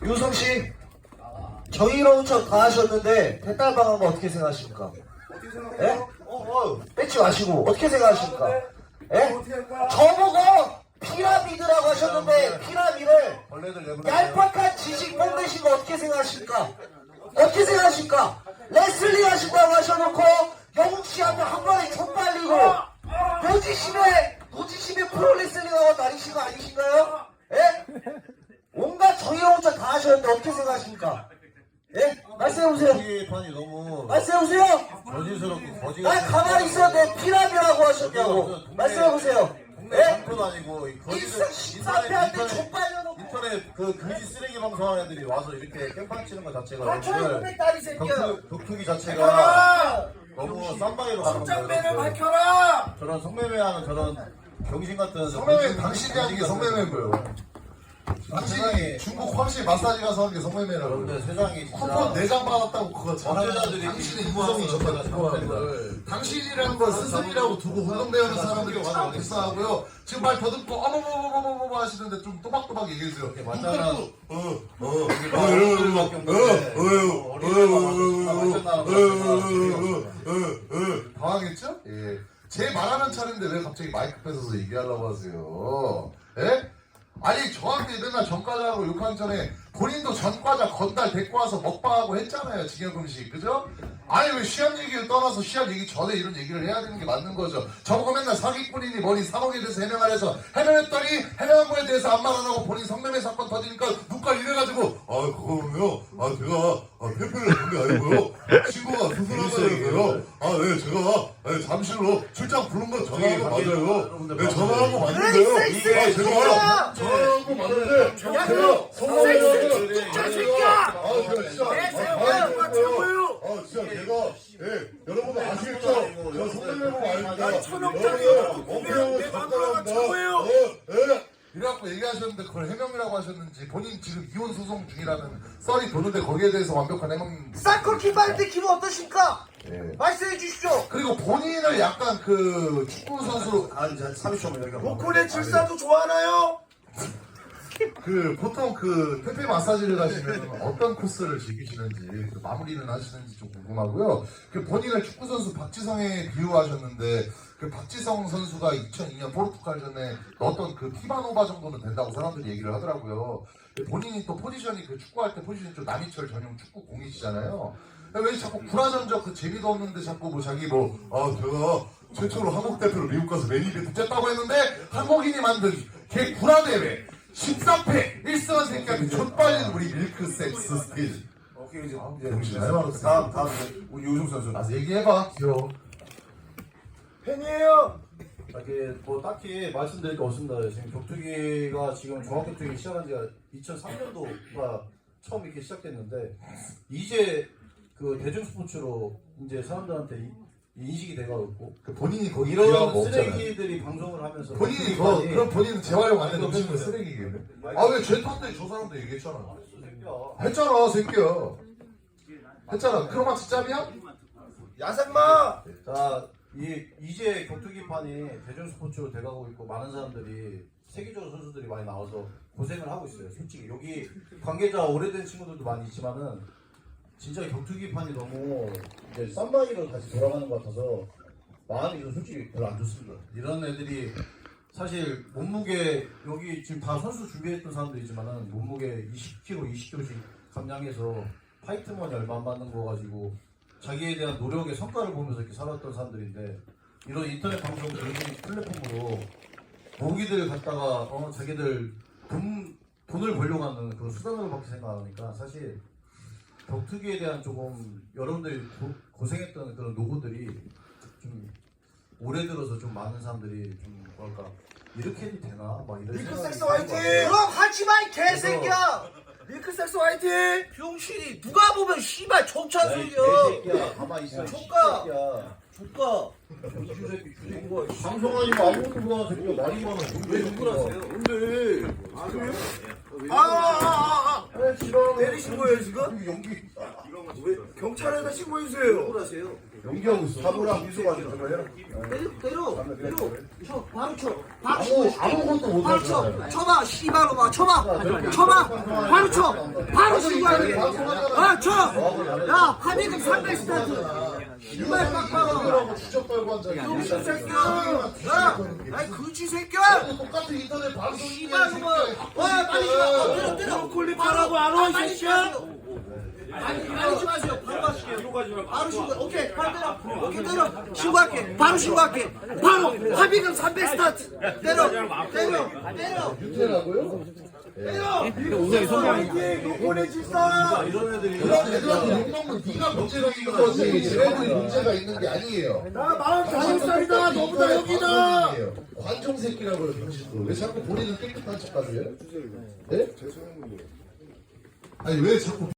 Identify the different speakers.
Speaker 1: 유성씨, 정의로운 척 다 하셨는데 대딸방한 거 어떻게 생각하십니까?
Speaker 2: 어떻게
Speaker 1: 예?
Speaker 2: 생각해요?
Speaker 1: 뺏지 마시고 어떻게 생각하십니까? 예?
Speaker 2: 어떻게 할까?
Speaker 1: 저보고 피라미드라고 하셨는데 피라미드를 얄팍한 지식 뽐내신 거 어떻게 생각하십니까? 어떻게 생각하십니까? 레슬링 하신다고 하셔놓고 영웅씨한테 한 번에 족발리고 노지심에 프로레슬링하고 다니신 거 아니신가요? 예? 온갖 정의로운 척 다 하셨는데 어떻게 생각하십니까? 예? 말씀해보세요.
Speaker 3: 판이 너무
Speaker 1: 말씀해보세요.
Speaker 3: 거짓스럽고 거짓.
Speaker 1: 난 가만히 있었는데 피라미드라고 하셨냐고. 말씀해보세요.
Speaker 3: 동네
Speaker 1: 예?
Speaker 3: 장터도 아니고
Speaker 1: 일승 14패한테 족발려놓고.
Speaker 3: 인터넷 그 금지 쓰레기 방송하는 애들이 와서 이렇게 깽판 치는 것 자체가
Speaker 1: 가천의 딸이 새끼야.
Speaker 3: 격투기 자체가 너무 쌈방이로 가는
Speaker 2: 성장매를
Speaker 3: 거예요.
Speaker 2: 밝혀라!
Speaker 3: 저런 성매매하는 저런 병신 같은
Speaker 4: 성매매 당신이 하는 게 성매매인 거예요. 당신이 중국 황실 마사지 가서 하는 게 성매매라고.
Speaker 3: 그런데 세상이
Speaker 4: 쿠폰
Speaker 3: 진짜
Speaker 4: 4장 받았다고 그거 전하면
Speaker 3: 범죄자들이
Speaker 4: 당신의 인성이 정말 궁금합니다. 당신이라는 걸 스승이라고 두고 운동배우는 사람들이 참 불쌍하고요. 지금 말 더듬고 어머머머머머머 하시는데 좀 또박또박 얘기해주세요.
Speaker 3: 맞잖아.
Speaker 4: 당황했죠? 예. 제 말하는 차례인데 왜 갑자기 마이크 뺏어서 얘기하려고 하세요? 예? 아니 저한테 맨날 전과자라고 욕하기 전에 본인도 전과자 건달 데리고 와서 먹방하고 했잖아요. 징역음식 그죠? 아니 왜 시합 얘기를 떠나서 시합 얘기 전에 이런 얘기를 해야 되는 게 맞는 거죠. 저보고 맨날 사기꾼이니 뭐니 산옥에 대해서 해명을 해서 해명했더니 해명한 거에 대해서 아무 말 안 하고 본인 성매매 사건 터지니까 눈깔 이래가지고 그거는요 페페를 한 게 아니고요 친구가 수술한다니까요 네 제가 잠실로 출장 부른 거 전화한 거 맞아요. 네 전화한 거 맞는데요. 제가 전화한 거 맞는데 제가 성매매를
Speaker 2: 진짜 새끼야!
Speaker 4: 제가 진짜 진짜 제가 여러분 아시겠죠? 저 성매매가 아닙니다.
Speaker 2: 천억짜리
Speaker 4: 원평은
Speaker 2: 내 마누라가 최고예요.
Speaker 4: 이래갖고 얘기하셨는데 그걸 해명이라고 하셨는지 본인 지금 이혼 소송 중이라는 썰이 도는데 거기에 대해서 완벽한 해명.
Speaker 1: 쌀콜 기발대 기분 어떠십니까?
Speaker 4: 예.
Speaker 1: 말씀해 주십시오.
Speaker 4: 그리고 본인을 약간 그 축구 선수로
Speaker 3: 30초만 여기가
Speaker 2: 로콜의 질사도 좋아하나요?
Speaker 4: 그 보통 그 페페 마사지를 가시면 어떤 코스를 즐기시는지 그 마무리는 하시는지 좀 궁금하고요. 그 본인을 축구 선수 박지성에 비유하셨는데 그 박지성 선수가 2002년 포르투갈전에 넣었던 그 피바노바 정도는 된다고 사람들이 얘기를 하더라고요. 본인이 또 포지션이 그 축구할 때 포지션이 좀 남이철 전용 축구 공이시잖아요. 왜 자꾸 불화전적 그 재미도 없는데 자꾸 뭐 자기 제가 최초로 한국 대표로 미국 가서 매니베트 쨌다고 했는데 한국인이 만든 개 불화대회 13패 1승한 새끼한테 족발린 우리 밀크섹스 스틸.
Speaker 3: 오케이 이제
Speaker 4: 정신 잘 말았어.
Speaker 3: 다음 우리 유승 선수.
Speaker 4: 아 얘기해봐. 귀여워.
Speaker 2: 팬이에요.
Speaker 3: 이렇게 뭐 딱히 말씀드릴 게 없습니다. 지금 격투기가 지금 종합격투기 시작한 지가 2003년도가 처음 이렇게 시작됐는데 이제 그 대중스포츠로 이제 사람들한테 인식이 돼가지고
Speaker 4: 그 본인이 거기
Speaker 3: 이런
Speaker 4: 기여하고 없잖아요.
Speaker 3: 쓰레기들이 방송을 하면서
Speaker 4: 본인이
Speaker 3: 격투기판이
Speaker 4: 그럼 본인은 재활용 안 해도
Speaker 3: 아니,
Speaker 4: 무슨 쓰레기겠네. 아왜제 탓대 저 사람도 얘기했잖아.
Speaker 3: 새끼야.
Speaker 4: 했잖아 새끼야. 했잖아. 크로마치 짬이야?
Speaker 2: 야생마!
Speaker 3: 자, 이제 격투기판이 대중스포츠로 돼가고 있고 많은 사람들이 세계적으로 선수들이 많이 나와서 고생을 하고 있어요. 솔직히 여기 관계자 오래된 친구들도 많이 있지만은 진짜 격투기판이 너무 이제 쌈마이로 다시 돌아가는 것 같아서 마음이 좀 솔직히 별로 안 좋습니다. 이런 애들이 사실 몸무게 여기 지금 다 선수 준비했던 사람들이지만은 몸무게 20kg, 20kg씩 감량해서 파이트머니 얼마 안 받는 거 가지고 자기에 대한 노력의 성과를 보면서 이렇게 살았던 사람들인데 이런 인터넷 방송 플랫폼으로 모기들 갖다가 자기들 돈을 벌려고 하는 그런 수단으로밖에 생각하니까 사실 격투기에 대한 조금 여러분들이 고생했던 그런 노고들이 좀 올해 들어서 좀 많은 사람들이 좀 뭐랄까 이렇게 해도 되나 막 이런
Speaker 2: 밀크섹스 화이팅!
Speaker 1: 그럼 하지 마, 이 개새끼야.
Speaker 2: 밀크섹스 화이팅!
Speaker 1: 병신이 누가 보면 씨발 정찬 소리야.
Speaker 3: 개새끼야 가만히 있어.
Speaker 1: 조카.
Speaker 3: 개새끼야.
Speaker 1: 조카.
Speaker 3: 주새끼 방송 아니고 아무것도 못하는 새끼가 말이 많아. 왜 누구라세요?
Speaker 2: 근데 내리신 거예요 지금?
Speaker 3: 연기
Speaker 2: 왜 경찰에다 신고해주세요.
Speaker 3: 연기하고 있어. 사부랑 미소가 좀 해라.
Speaker 1: 때려. 쳐, 바로 쳐.
Speaker 4: 아무것도 못
Speaker 1: 바로 쳐. 쳐봐, 씨발로 봐. 쳐봐. 바로 쳐. 바로 신고하게. 쳐. 야, 합의금 300 스타트. 씨발 빡빡아.
Speaker 4: 주접 빨고 앉아.
Speaker 1: 병신 새끼야. 야, 그지 새끼야.
Speaker 4: 똑같은 인터넷 방송
Speaker 1: 씨발로 봐. 와, 빨리 가. 때려.
Speaker 2: 콜리파라고 안 와, 이 새끼야?
Speaker 1: 아니지 마세요. 바로 하실게요. 바로 신고. 오케이. 바로 때려. 오케이, 때려. 신고할게. 바로 신고할게. 바로 합의금 300 스타트. 때려.
Speaker 4: 유태라고요?
Speaker 3: 이런 애들이
Speaker 4: 그런 애들한테 욕먹는 네가 문제가 있는 거지. 쟤네들이 문제가 있는 게 아니에요.
Speaker 2: 나 45살이다. 너보다 여기다.
Speaker 4: 관종 새끼라고요, 병신도. 왜 자꾸 본인은 깨끗한 척 하세요? 네? 아니 왜 자꾸